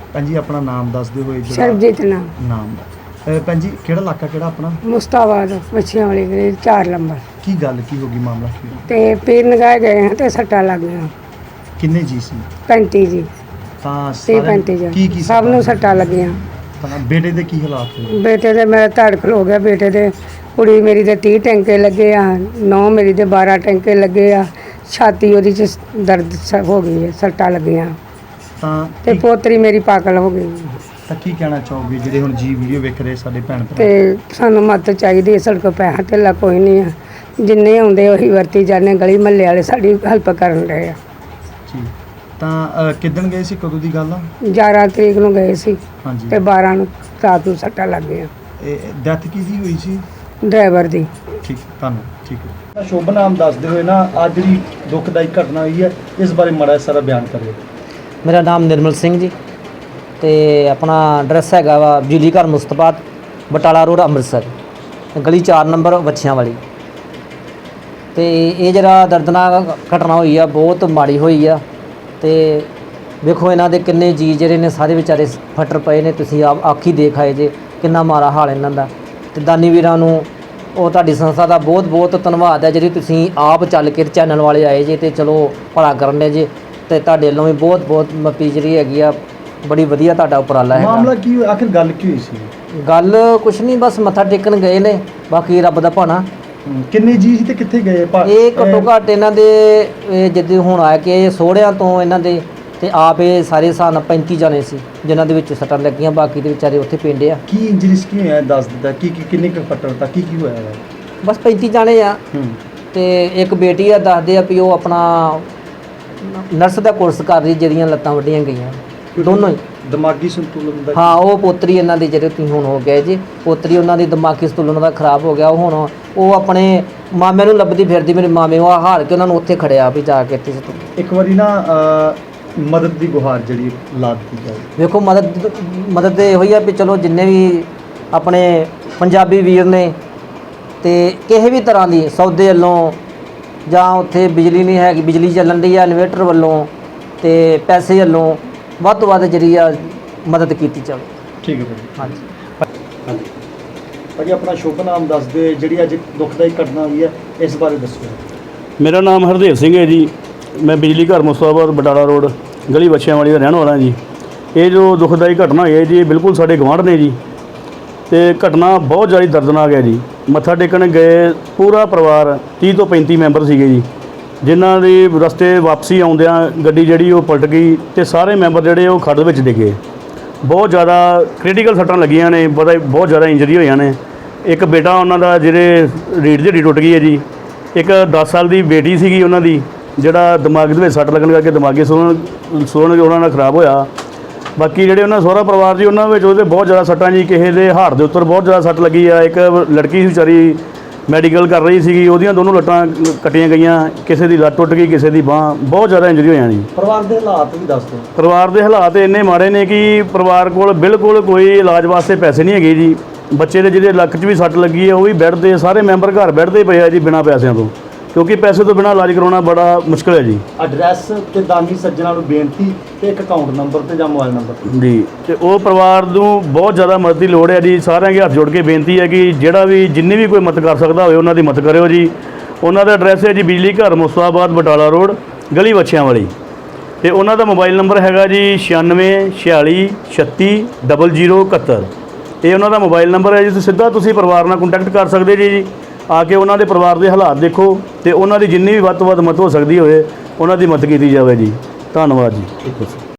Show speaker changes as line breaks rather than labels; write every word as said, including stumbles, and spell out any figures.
ਭੈਣ ਜੀ ਆਪਣਾ ਨਾਮ ਦੱਸਦੇ ਹੋਏ ਜਿਹੜਾ
ਸਰਬਜੀਤ ਨਾਮ
ਨਾਮ ਅਹ ਭੈਣ ਜੀ ਕਿਹੜਾ ਇਲਾਕਾ ਕਿਹੜਾ ਆਪਣਾ?
ਮੁਸਤਾਬਾਦ ਮੱਛੀਆਂ ਵਾਲੀ ਗਲੀ ਚਾਰ ਨੰਬਰ।
ਕੀ ਗੱਲ ਕੀ ਹੋ ਗਈ ਮਾਮਲਾ ਕੀ ਹੋਇਆ?
ਤੇ ਪੀਰ ਨਗਾਏ ਗਏ ਹਾਂ ਤੇ ਸੱਟਾਂ ਲੱਗ ਗਈਆਂ
ਕਿੰਨੇ ਜੀ ਸੀ?
ਪੈਂਤੀ ਜੀ
ਤਾਂ
ਤੀਹ
ਸਾਰਿਆਂ-
ਪੈਂਤੀ ਜੀ
ਕੀ ਕੀ
ਸਭ ਨੂੰ ਸੱਟਾਂ ਲੱਗੀਆਂ।
ਤਾਂ ਬੇਟੇ ਦੇ ਕੀ ਹਾਲਾਤ ਹੋਏ?
ਬੇਟੇ ਦੇ ਮੇਰਾ ਧੜਕ ਹੋ ਗਿਆ ਬੇਟੇ ਦੇ। ਕੁੜੀ ਮੇਰੀ ਦੇ ਤੀਹ ਟੈਂਕੇ ਲੱਗੇ ਆ, ਨੌ ਮੇਰੀ ਦੇ ਬਾਰਾਂ ਟੈਂਕੇ ਲੱਗੇ ਆ, ਛਾਤੀ ਉਹਦੀ 'ਚ ਦਰਦ ਸ- ਹੋ ਗਈ ਹੈ, ਸੱਟਾਂ ਲੱਗੀਆਂ।
ਤਾਂ
ਤੇ
ਕੀ-
ਪੋਤਰੀ ਮੇਰੀ ਪਾਗਲ ਹੋ ਗਈ।
ਤਾਂ ਕੀ ਕਹਿਣਾ ਚਾਹੋਗੇ ਜਿਹੜੇ ਹੁਣ ਜੀ ਵੀਡੀਓ ਵੇਖ ਰਹੇ ਸਾਡੇ ਭੈਣ ਭਰਾ?
ਤੇ ਸਾਨੂੰ ਮਦਦ ਚਾਹੀਦੀ ਹੈ। ਸਾਡੇ ਕੋਲ ਪੈਸਾ ਧੇਲਾ ਕੋਈ ਨਹੀਂ ਆ, ਜਿੰਨੇ ਆਉਂਦੇ ਉਹੀ ਵਰਤੀ ਜਾਂਦੇ। ਗਲੀ ਮਹੱਲੇ ਵਾਲੇ ਸਾਡੀ ਹੈਲਪ ਕਰਨ ਰਹੇ ਆ।
ਜੀ ਤਾਂ ਅਹ, ਕਿੱਦਣ ਗਏ ਸੀ, ਕਦੋਂ ਦੀ ਗੱਲ ਆ?
ਗਿਆਰਾਂ ਤਰੀਕ ਨੂੰ ਗਏ ਸੀ
ਹਾਂਜੀ
ਤੇ ਬਾਰਾਂ ਨੂੰ ਰਾਤ ਨੂੰ ਸੱਟਾਂ ਲੱਗ ਗਈਆਂ
ਇਹ ਡੈਥ ਕਿਹਦੀ ਹੋਈ ਸੀ?
ਡਰਾਈਵਰ ਦੀ।
ਠੀਕ ਤੁਹਾਨੂੰ ਠੀਕ ਹੈ। ਸ਼ੁਭ ਨਾਮ ਦੱਸਦੇ ਹੋਏ ਨਾ ਅੱਜ ਜਿਹੜੀ ਦੁਖਦਾਈ ਘਟਨਾ ਹੋਈ ਹੈ ਇਸ ਬਾਰੇ ਮਾੜਾ ਜਿਹਾ ਸਾਰਾ ਬਿਆਨ ਕਰਿਓ।
ਮੇਰਾ ਨਾਮ ਨਿਰਮਲ ਸਿੰਘ ਜੀ ਤੇ ਆਪਣਾ ਐਡਰੈਸ ਹੈਗਾ ਵਾ ਬਿਜਲੀ ਘਰ ਮੁਸਤਫਾਬਾਦ ਬਟਾਲਾ ਰੋਡ ਅੰਮ੍ਰਿਤਸਰ, ਗਲੀ ਚਾਰ ਨੰਬਰ ਵੱਛਿਆਂ ਵਾਲੀ। ਤੇ ਇਹ ਜਿਹੜਾ ਦਰਦਨਾਕ ਘਟਨਾ ਹੋਈ ਆ ਬਹੁਤ ਮਾੜੀ ਹੋਈ ਆ। ਤੇ ਵੇਖੋ ਇਹਨਾਂ ਦੇ ਕਿੰਨੇ ਜੀ ਜਿਹੜੇ ਨੇ ਸਾਰੇ ਵਿਚਾਰੇ ਫਟਰ ਪਏ ਨੇ। ਤੁਸੀਂ ਆਪ ਆਖੀ ਦੇਖ ਆਏ ਜੇ ਕਿੰਨਾ ਮਾੜਾ ਹਾਲ ਇਹਨਾਂ ਦਾ। ਤੇ ਦਾਨੀ ਵੀਰਾਂ ਨੂੰ ਉਹ ਤੁਹਾਡੀ ਸੰਸਥਾ ਦਾ ਬਹੁਤ ਬਹੁਤ ਧੰਨਵਾਦ ਹੈ ਜਿਹੜੀ ਤੁਸੀਂ ਆਪ ਚੱਲ ਕੇ ਚੈਨਲ ਵਾਲੇ ਆਏ ਜੇ ਤੇ ਚਲੋ ਭਲਾ ਕਰਨ ਦੇ ਜੇ। ਤੇ ਤੁਹਾਡੇ ਵੱਲੋਂ ਵੀ ਬਹੁਤ ਬਹੁਤ ਮੱਪੀ ਜਿਹੜੀ ਹੈਗੀ ਆ, ਬੜੀ ਵਧੀਆ ਤੁਹਾਡਾ ਉਪਰਾਲਾ ਹੈਗਾ।
ਮਾਮਲਾ ਕੀ ਹੋਇਆ? ਆਖਿਰ ਗੱਲ ਕੀ ਹੋਈ ਸੀ?
ਗੱਲ ਕੁਛ ਨਹੀਂ, ਬਸ ਮੱਥਾ ਟੇਕਣ ਗਏ ਨੇ, ਬਾਕੀ ਰੱਬ ਦਾ ਭਾਣਾ।
ਹਮ, ਕਿੰਨੇ ਜੀ ਸੀ ਤੇ ਕਿੱਥੇ ਗਏ? ਭਾ-
ਇਹ ਘੱਟੋ
ਅਹ,
ਘੱਟ ਇਹਨਾਂ ਦੇ ਇਹ ਜਿੱਦਾਂ ਹੁਣ ਆ ਕੇ ਸੋਹਰਿਆਂ ਤੋਂ ਇਹਨਾਂ ਦੇ ਤੇ ਆਪ ਇਹ ਸਾਰੇ ਹਿਸਾਬ ਨਾਲ ਪੈਂਤੀ ਜਾਣੇ ਸੀ ਜਿਨ੍ਹਾਂ ਦੇ ਵਿੱਚ ਸੱਟਾਂ ਲੱਗੀਆਂ। ਬਾਕੀ ਦੇ ਵਿਚਾਰੇ ਉੱਥੇ ਪਿੰਡੇ ਆ।
ਕੀ ਇੰਜਰੀਸ ਕੀ ਹੋਇਆ ਦੱਸ ਦਿੱਤਾ? ਕੀ ਕੀ ਕਿੰਨੇ ਕੁ ਫੱਟੜ ਤਾਂ ਕੀ ਕੀ ਹੋਇਆ ਹੈ?
ਬਸ ਪੈਂਤੀ ਜਾਣੇ ਆ।
ਹੂੰ
ਤੇ ਇੱਕ ਬੇਟੀ ਆ, ਦੱਸਦੇ ਆ ਵੀ ਉਹ ਆਪਣਾ ਨਰਸ ਦਾ ਕੋਰਸ ਕਰ ਰਹੀ, ਜਿਹਦੀਆਂ ਲੱਤਾਂ ਵੱਢੀਆਂ ਗਈਆਂ ਦੋਨੋਂ ਹੀ।
ਦਿਮਾਗੀ ਸੰਤੁਲਨ ਦਾ
ਹਾਂ, ਉਹ ਪੋਤਰੀ ਇਹਨਾਂ ਦੀ ਜਿਹੜੇ ਤੁਸੀਂ ਹੁਣ ਹੋ ਗਏ ਜੀ, ਪੋਤਰੀ ਉਹਨਾਂ ਦੀ ਦਿਮਾਗੀ ਸੰਤੁਲਨ ਦਾ ਖਰਾਬ ਹੋ ਗਿਆ। ਉਹ ਹੁਣ ਉਹ ਆਪਣੇ ਮਾਮੇ ਨੂੰ ਲੱਭਦੀ ਫਿਰਦੀ, ਮੇਰੇ ਮਾਮੇ ਉਹ ਹਾਰ ਕੇ ਉਹਨਾਂ ਨੂੰ ਉੱਥੇ ਖੜਿਆ ਵੀ ਜਾ ਕੇ ਇੱਥੇ ਸੁੱਟ।
ਇੱਕ ਵਾਰੀ ਨਾ ਅਹ, ਮਦਦ ਦੀ ਗੁਹਾਰ ਜਿਹੜੀ ਲਾ ਦਿੱਤੀ ਜਾਵੇ।
ਵੇਖੋ ਮਦਦ ਮਦਦ ਤੇ ਇਹੋ ਹੀ ਆ ਵੀ ਚਲੋ ਜਿੰਨੇ ਵੀ ਆਪਣੇ ਪੰਜਾਬੀ ਵੀਰ ਨੇ ਤੇ ਕਿਸੇ ਵੀ ਤਰ੍ਹਾਂ ਦੀ ਸੌਦੇ ਵੱਲੋਂ ਜਾਂ ਉੱਥੇ ਬਿਜਲੀ ਨਹੀਂ ਹੈਗੀ, ਬਿਜਲੀ ਚੱਲਣ ਦੀ ਆ ਇਨਵੇਟਰ ਵੱਲੋਂ ਤੇ ਪੈਸੇ ਵੱਲੋਂ ਵੱਧ ਤੋਂ ਵੱਧ ਜਿਹੜੀ ਆ ਮਦਦ ਕੀਤੀ ਜਾਵੇ।
ਠੀਕ ਹੈ ਭਾਜੀ।
ਹਾਂਜੀ
ਭਾਜੀ ਆਪਣਾ ਸ਼ੁਭ ਨਾਮ ਦੱਸਦੇ, ਜਿਹੜੀ ਅੱਜ ਦੁਖਦਾਈ ਘਟਨਾ ਹੋਈ ਹੈ ਇਸ ਬਾਰੇ ਦੱਸੋ।
ਮੇਰਾ ਨਾਮ ਹਰਦੇਵ ਸਿੰਘ ਹੈ ਜੀ। ਮੈਂ ਬਿਜਲੀ ਘਰ ਮੁਸਤਫਾਬਾਦ ਬਟਾਲਾ ਰੋਡ ਗਲੀ ਵੱਛਿਆਂ ਵਾਲੀ ਦਾ ਰਹਿਣ ਵਾਲਾ ਜੀ। ਇਹ ਜੋ ਦੁਖਦਾਈ ਘਟਨਾ ਹੋਈ ਹੈ ਜੀ, ਬਿਲਕੁਲ ਸਾਡੇ ਗੁਆਂਢ ਨੇ ਜੀ। ਤੇ ਘਟਨਾ ਬਹੁਤ ਜ਼ਿਆਦਾ ਦਰਦਨਾਕ ਹੈ ਜੀ। ਮੱਥਾ ਟੇਕਣ ਗਏ ਪੂਰਾ ਪਰਿਵਾਰ ਤੀਹ ਤੋਂ ਪੈਂਤੀ ਮੈਂਬਰ ਸੀਗੇ ਜੀ, ਜਿਨ੍ਹਾਂ ਦੀ ਰਸਤੇ ਵਾਪਸੀ ਆਉਂਦਿਆਂ ਗੱਡੀ ਜਿਹੜੀ ਉਹ ਪਲਟ ਗਈ ਤੇ ਸਾਰੇ ਮੈਂਬਰ ਜਿਹੜੇ ਉਹ ਖੱਡ ਵਿੱਚ ਡਿੱਗੇ। ਬਹੁਤ ਜ਼ਿਆਦਾ ਕ੍ਰਿਟੀਕਲ ਸੱਟਾਂ ਲੱਗੀਆਂ ਨੇ, ਬੜਾ ਬਹੁਤ ਜ਼ਿਆਦਾ ਇੰਜਰੀ ਹੋਈਆਂ ਨੇ। ਇੱਕ ਬੇਟਾ ਉਹਨਾਂ ਦਾ ਜਿਹੜੇ ਰੀੜ੍ਹ ਦੀ ਹੱਡੀ ਟੁੱਟ ਗਈ ਹੈ ਜੀ। ਇੱਕ ਦਸ ਸਾਲ ਦੀ ਬੇਟੀ ਸੀਗੀ ਉਹਨਾਂ ਦੀ, ਜਿਹੜਾ ਦਿਮਾਗ ਦੇ ਵਿੱਚ ਸੱਟ ਲੱਗਣ ਕਰਕੇ ਦਿਮਾਗੀ ਸੁਣਨ ਸੁਣਨ ਉਹਨਾਂ ਦਾ ਖਰਾਬ ਹੋਇਆ। ਬਾਕੀ ਜਿਹੜੇ ਉਹਨਾਂ ਸਹੁਰਾ ਪਰਿਵਾਰ ਜੀ, ਉਹਨਾਂ ਵਿੱਚ ਉਹਦੇ ਬਹੁਤ ਜ਼ਿਆਦਾ ਸੱਟਾਂ ਜੀ। ਕਿਸੇ ਦੇ ਹਾੜ ਦੇ ਉੱਤਰ ਬਹੁਤ ਜ਼ਿਆਦਾ ਸੱਟ ਲੱਗੀ ਆ। ਇੱਕ ਲੜਕੀ ਸੀ ਵਿਚਾਰੀ ਮੈਡੀਕਲ ਕਰ ਰਹੀ ਸੀਗੀ, ਉਹਦੀਆਂ ਦੋਨੋਂ ਲੱਟਾਂ ਕੱਟੀਆਂ ਗਈਆਂ। ਕਿਸੇ ਦੀ ਲੱਤ ਟੁੱਟ ਗਈ, ਕਿਸੇ ਦੀ ਬਾਂਹ। ਬਹੁਤ ਜ਼ਿਆਦਾ ਇੰਜਰੀ ਹੋਈਆਂ ਜੀ।
ਪਰਿਵਾਰ ਦੇ ਹਾਲਾਤ ਵੀ ਦੱਸ ਦਿਓ।
ਪਰਿਵਾਰ ਦੇ ਹਾਲਾਤ ਇੰਨੇ ਮਾੜੇ ਨੇ ਕਿ ਪਰਿਵਾਰ ਕੋਲ ਬਿਲਕੁਲ ਕੋਈ ਇਲਾਜ ਵਾਸਤੇ ਪੈਸੇ ਨਹੀਂ ਹੈਗੇ ਜੀ। ਬੱਚੇ ਦੇ ਜਿਹਦੇ ਲੱਕ 'ਚ ਵੀ ਸੱਟ ਲੱਗੀ ਹੈ ਉਹ ਵੀ ਬੈੱਡ 'ਤੇ, ਸਾਰੇ ਮੈਂਬਰ ਘਰ ਬੈੱਡ 'ਤੇ ਪਏ ਆ ਜੀ ਬਿਨਾਂ ਪੈਸਿਆਂ ਤੋਂ, ਕਿਉਂਕਿ ਪੈਸੇ ਤੋਂ ਬਿਨਾਂ ਇਲਾਜ ਕਰਾਉਣਾ ਬੜਾ ਮੁਸ਼ਕਿਲ ਹੈ ਜੀ।
ਐਡਰੈਸ ਤੇ ਦਾਨੀ ਸੱਜਣਾ ਨੂੰ ਬੇਨਤੀ ਤੇ ਇੱਕ ਅਕਾਊਂਟ ਨੰਬਰ ਤੇ ਜਾਂ ਮੋਬਾਈਲ ਨੰਬਰ
ਜੀ। ਤੇ ਉਹ ਪਰਿਵਾਰ ਨੂੰ ਬਹੁਤ ਜ਼ਿਆਦਾ ਮਦਦ ਦੀ ਲੋੜ ਹੈ ਜੀ। ਸਾਰਿਆਂ ਦੇ ਹੱਥ ਜੋੜ ਕੇ ਬੇਨਤੀ ਹੈ ਕਿ ਜਿਹੜਾ ਵੀ ਜਿੰਨੀ ਵੀ ਕੋਈ ਮਦਦ ਕਰ ਸਕਦਾ ਹੋਵੇ ਉਹਨਾਂ ਦੀ ਮਦਦ ਕਰਿਓ ਜੀ। ਉਹਨਾਂ ਦਾ ਐਡਰੈਸ ਹੈ ਜੀ ਬਿਜਲੀ ਘਰ ਮੁਸਤਫਾਬਾਦ ਬਟਾਲਾ ਰੋਡ ਗਲੀ ਵੱਛਿਆਂ ਵਾਲੀ। ਤੇ ਉਹਨਾਂ ਦਾ ਮੋਬਾਈਲ ਨੰਬਰ ਹੈਗਾ ਜੀ ਛਿਆਨਵੇਂ ਛਿਆਲੀ ਛੱਤੀ ਡਬਲ ਜ਼ੀਰੋ ਇਕਹੱਤਰ। ਇਹ ਉਹਨਾਂ ਦਾ ਮੋਬਾਈਲ ਨੰਬਰ ਹੈ ਜੀ। ਤੁਸੀਂ ਸਿੱਧਾ ਤੁਸੀਂ ਪਰਿਵਾਰ ਨਾਲ ਕੰਟੈਕਟ ਕਰ ਸਕਦੇ ਜੀ ਜੀ ਆ ਕੇ ਉਹਨਾਂ ਦੇ ਪਰਿਵਾਰ ਦੇ ਹਾਲਾਤ ਦੇਖੋ ਤੇ ਉਹਨਾਂ ਦੀ ਜਿੰਨੀ ਵੀ ਵੱਧ ਤੋਂ ਵੱਧ ਮਦਦ ਹੋ ਸਕਦੀ ਹੋਵੇ ਉਹਨਾਂ ਦੀ ਮਦਦ ਕੀਤੀ ਜਾਵੇ ਜੀ। ਧੰਨਵਾਦ ਜੀ।